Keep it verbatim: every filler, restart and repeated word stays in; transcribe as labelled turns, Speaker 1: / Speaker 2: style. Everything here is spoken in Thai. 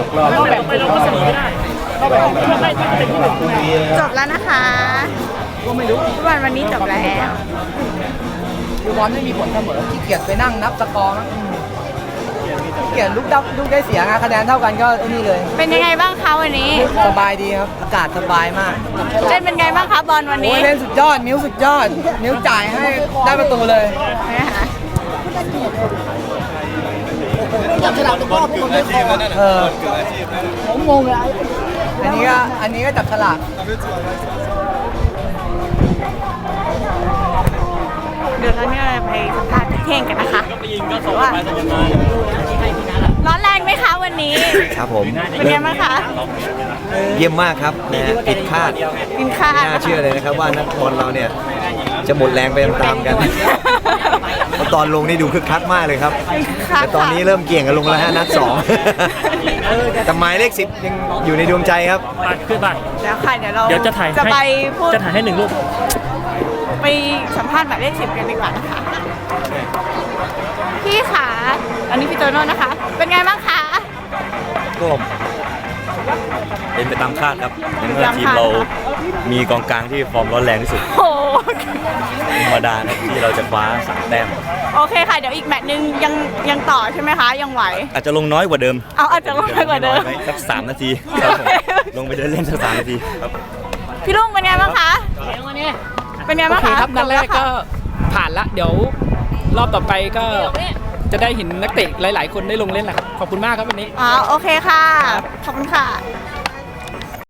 Speaker 1: กรอบก็แบบไปเราก็เสมอไม่ได้ก็แบบไม่ได้เป็นที่หนึ่ง
Speaker 2: จบแล้วนะคะก็ไม่รู้ฟุตบอลวันนี้จบแล้ว
Speaker 3: ดูบอลไม่มีผลเสมอขี้เกียจไปนั่งนับสกอร์มั้งขี้เกียจลุกดับลุกได้เสียงคะแนนเท่ากันก็ไอ้นี่เลย
Speaker 2: เป็นยังไงบ้างคะวันนี้
Speaker 3: สบายดีครับอากาศสบายมาก
Speaker 2: เล่นเป็นไงบ้างคะบอลวันนี้
Speaker 3: เล่นสุดยอดมิ้วสุดยอดมิ้วจ่ายให้ได้ประตูเลยจับฉลากตะก้อพวกคนไม่คอเออผมงงเลยอันนี้ก็อันนี้ก็จับฉลาก
Speaker 2: เดี๋ยวตอนนี้เราไปสัมภาษณ์พี่เท่งกันนะคะว่าร้อนแรงไหมคะวันนี้
Speaker 4: ครับผม
Speaker 2: เป็นไงบ้างคะ
Speaker 4: เยี่ยมมากครับนะผิดคาด
Speaker 2: ผิดคาด
Speaker 4: ไม่น่าเชื่อเลยนะครับว่านักบอลเราเนี่ยจะหมดแรงไปตามๆกันตอนลงนี่ดูคึกคักมากเลยครับแต่ตอนนี้เริ่มเกี่ยงกันลงแล้วฮะนัดสองแต่หมายเลขสิบยังอยู่ในดวงใจครับ
Speaker 1: ขึ้นไป
Speaker 2: เดี๋ยวค่ะเดี๋ยวเรา
Speaker 1: เดี๋ยวจะถ่าย
Speaker 2: จะไปพูด
Speaker 1: จะถ่ายให้หนึ่งรูป
Speaker 2: ไปสัมภาษณ์หมายเลขสิบกันดีกว่านะคะพี่ขาอันนี้พี่โตโน่นะคะเป็นไงบ้างคะ
Speaker 5: ก็เป็นไปตามคาดครับในเมื่อทีมเรามีกองกลางที่ฟอร์มร้อนแรงที่สุด
Speaker 2: โอ้
Speaker 5: ธรรมดานะที่เราจะคว้าสามแต้ม
Speaker 2: โอเคค่ะเดี๋ยวอีกแมตช์นึงยังยังต่อใช่ไหมคะยังไหว
Speaker 5: อาจจะลงน้อยกว่าเดิม
Speaker 2: เอาอาจจะลงน้อยกว่าเดิม
Speaker 5: สักสามนาทีลงไปเดินเล่นสักสามนาทีครับ
Speaker 2: พี่ลุงเป็นไงบ้างคะเป็นไงบ้างคะ
Speaker 1: ครับนัดแรกก็ผ่านละเดี๋ยวรอบต่อไปก็จะได้เห็นนักเตะหลายๆคนได้ลงเล่นแหละครับขอบคุณมากครับวันนี้
Speaker 2: อ๋อโอเคค่ะขอบคุณค่ะ